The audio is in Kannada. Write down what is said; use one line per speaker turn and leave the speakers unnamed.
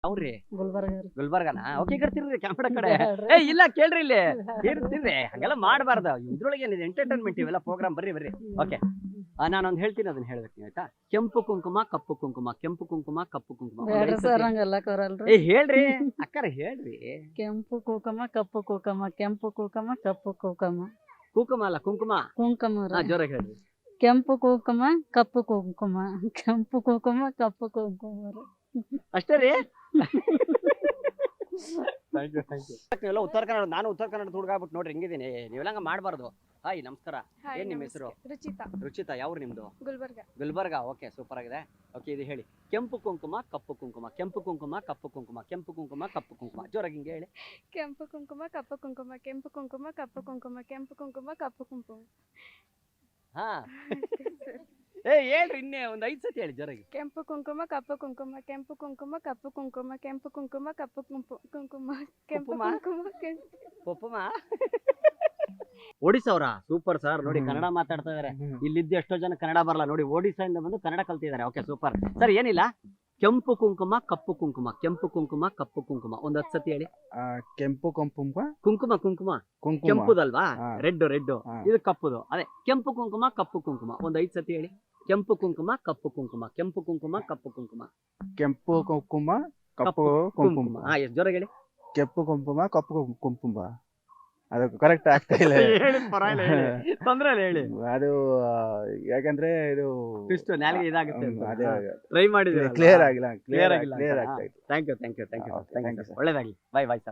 ಅವ್ರಿ
ಗುಲ್ಬರ್ಗ
ಗುಲ್ಬರ್ಗನಾ ಓಕೆ ಕರ್ತಿರ್ರಿ ಕ್ಯಾಮ್ರಾ ಕಡೆ ಏ ಇಲ್ಲ ಕೇಳ್ರಿ ಇಲ್ಲಿ ಇರ್ತಿರ್ರಿ ಹಂಗೆಲ್ಲ ಮಾಡಬಾರ್ದು ಇದ್ರೊಳಗೆ ಏನಿದೆ ಎಂಟರ್ಟೈನ್ಮೆಂಟ್ ಇವೆಲ್ಲ ಪ್ರೋಗ್ರಾಮ್ ಬರ್ರಿ ಓಕೆ ನಾನೊಂದು ಹೇಳ್ತೀನಿ ಅದನ್ನ ಹೇಳ್ಬೇಕು ನೀವು ಆಯ್ತಾ ಕೆಂಪು ಕುಂಕುಮ ಕಪ್ಪು ಕುಂಕುಮ ಕೆಂಪು ಕುಂಕುಮ ಕಪ್ಪು ಕುಂಕುಮ
ಬೇಡ್ರಿ ಸರ್ ಹಂಗೆಲ್ಲ ಕೊರಲ್ರಿ.
ಏ ಹೇಳ್ರಿ ಅಕ್ಕಾರ ಹೇಳ್ರಿ
ಕೆಂಪು ಕುಕುಮ ಕಪ್ಪು ಕುಕುಮ ಕೆಂಪು ಕುಕುಮ ಕಪ್ಪು ಕುಕುಮ
ಕುಂಕುಮ ಅಲ್ಲ ಕುಂಕುಮ
ಕುಂಕುಮ ರೀ.
ಜೋರಾಗಿ ಹೇಳ್ರಿ
ಕೆಂಪು ಕುಕುಮ ಕಪ್ಪು ಕುಂಕುಮ ಕೆಂಪು ಕುಕುಮ ಕಪ್ಪು ಕುಂಕುಮ ರೀ.
ಅಷ್ಟೇ ರೀ ನೀವೆಲ್ಲ ಉತ್ತರ ಕನ್ನಡ ನಾನು ಉತ್ತರ ಕನ್ನಡ ಹುಡುಗ ಆಗ್ಬಿಟ್ಟು ನೋಡ್ರಿ ಹೆಂಗಿದ್ದೀನಿ ನೀವೆಲ್ಲ ಹಂಗ ಮಾಡಬಾರ್ದು. ಹಾಯ್ ನಮಸ್ಕಾರ ಏನ್ ನಿಮ್ಮ ಹೆಸರು? ರುಚಿತಾ ಯಾವ್ರು ನಿಮ್ದು? ಗುಲ್ಬರ್ಗ ಓಕೆ ಸೂಪರ್ ಆಗಿದೆ. ಓಕೆ ಇದು ಹೇಳಿ ಕೆಂಪು ಕುಂಕುಮ ಕಪ್ಪು ಕುಂಕುಮ ಕೆಂಪು ಕುಂಕುಮ ಕಪ್ಪು ಕುಂಕುಮ ಕೆಂಪು ಕುಂಕುಮ ಕಪ್ಪು ಕುಂಕುಮ ಜೋರಾಗಿ ಹಿಂಗೆ ಹೇಳಿ.
ಕೆಂಪು ಕುಂಕುಮ ಕಪ್ಪು ಕುಂಕುಮ ಕೆಂಪು ಕುಂಕುಮ ಕಪ್ಪು ಕುಂಕುಮ ಕೆಂಪು ಕುಂಕುಮ ಕಪ್ಪು ಕುಂಕುಮ.
ಹಾ ಏ ಹೇಳ್ರಿ ಇನ್ನೇ ಒಂದ್ 5 ಸತಿ ಹೇಳಿ ಜೋರಾಗಿ.
ಕೆಂಪು ಕುಂಕುಮ ಕಪ್ಪು ಕುಂಕುಮ ಕೆಂಪು ಕುಂಕುಮ ಕಪ್ಪು ಕುಂಕುಮ ಕೆಂಪು ಕುಂಕುಮ ಕಪ್ಪು ಕುಂಕುಮ ಕೆಂಪು ಕುಂಕುಮ
ಪಪ್ಪಮ್ಮ ಒಡಿಸ್ಸವ್ರ ಸೂಪರ್ ಸರ್ ನೋಡಿ ಕನ್ನಡ ಮಾತಾಡ್ತಾ ಇದಾರೆ. ಇಲ್ಲಿದ್ದು ಎಷ್ಟೋ ಜನ ಕನ್ನಡ ಬರಲ್ಲ ನೋಡಿ ಒಡಿಸ್ಸಾಯಿಂದ ಬಂದು ಕನ್ನಡ ಕಲ್ತಿದ್ದಾರೆ. ಓಕೆ ಸೂಪರ್ ಸರ್ ಏನಿಲ್ಲ ಕೆಂಪು ಕುಂಕುಮ ಕಪ್ಪು ಕುಂಕುಮ ಕೆಂಪು ಕುಂಕುಮ ಕಪ್ಪು ಕುಂಕುಮ ಒಂದ್ 10 ಸತಿ ಹೇಳಿ.
ಕೆಂಪು ಕುಂಕುಮ
ಕುಂಕುಮ ಕುಂಕುಮ
ಕುಂಕುಮ
ಕೆಂಪುದಲ್ವಾ ರೆಡ್
ಹಾ.
ಇದು ಕಪ್ಪುದು ಅದೇ ಕೆಂಪು ಕುಂಕುಮ ಕಪ್ಪು ಕುಂಕುಮ ಒಂದ್ 5 ಸತಿ ಹೇಳಿ. ಕೆಂಪು ಕುಂಕುಮ ಕಪ್ಪು ಕುಂಕುಮ ಕೆಂಪು ಕುಂಕುಮ ಕಪ್ಪು ಕುಂಕುಮ
ಕೆಂಪು ಕುಂಕುಮ ಕಪ್ಪು ಕುಂಕುಮ
ಹಾ ಎಷ್ಟು ಜೋರಾಗಿ ಹೇಳಿ.
ಕೆಂಪು ಕುಂಕುಮ ಕಪ್ಪು ಕುಂಕುಮ ಅದು ಕರೆಕ್ಟ್ ಆಗ್ತಾ ಇಲ್ಲ.
ತೊಂದ್ರೆ ಇಲ್ಲ ಹೇಳಿ.
ಅದು ಯಾಕಂದ್ರೆ ಇದು
ಇಷ್ಟು ನಾಲಿಗೆ ಇದಾಗುತ್ತೆ
ಅದೇ
ಟ್ರೈ ಮಾಡಿದ್ರೆ
ಕ್ಲಿಯರ್ ಆಗಿಲ್ಲ
ಕ್ಲಿಯರ್ ಆಗಿಲ್ಲ.
ಕ್ಲಿಯರ್ ಆಗ್ತಾ ಇತ್ತು.
Thank you
Thank you, sir.
ಒಳ್ಳೇದಾಗ್ಲಿ. Bye sir.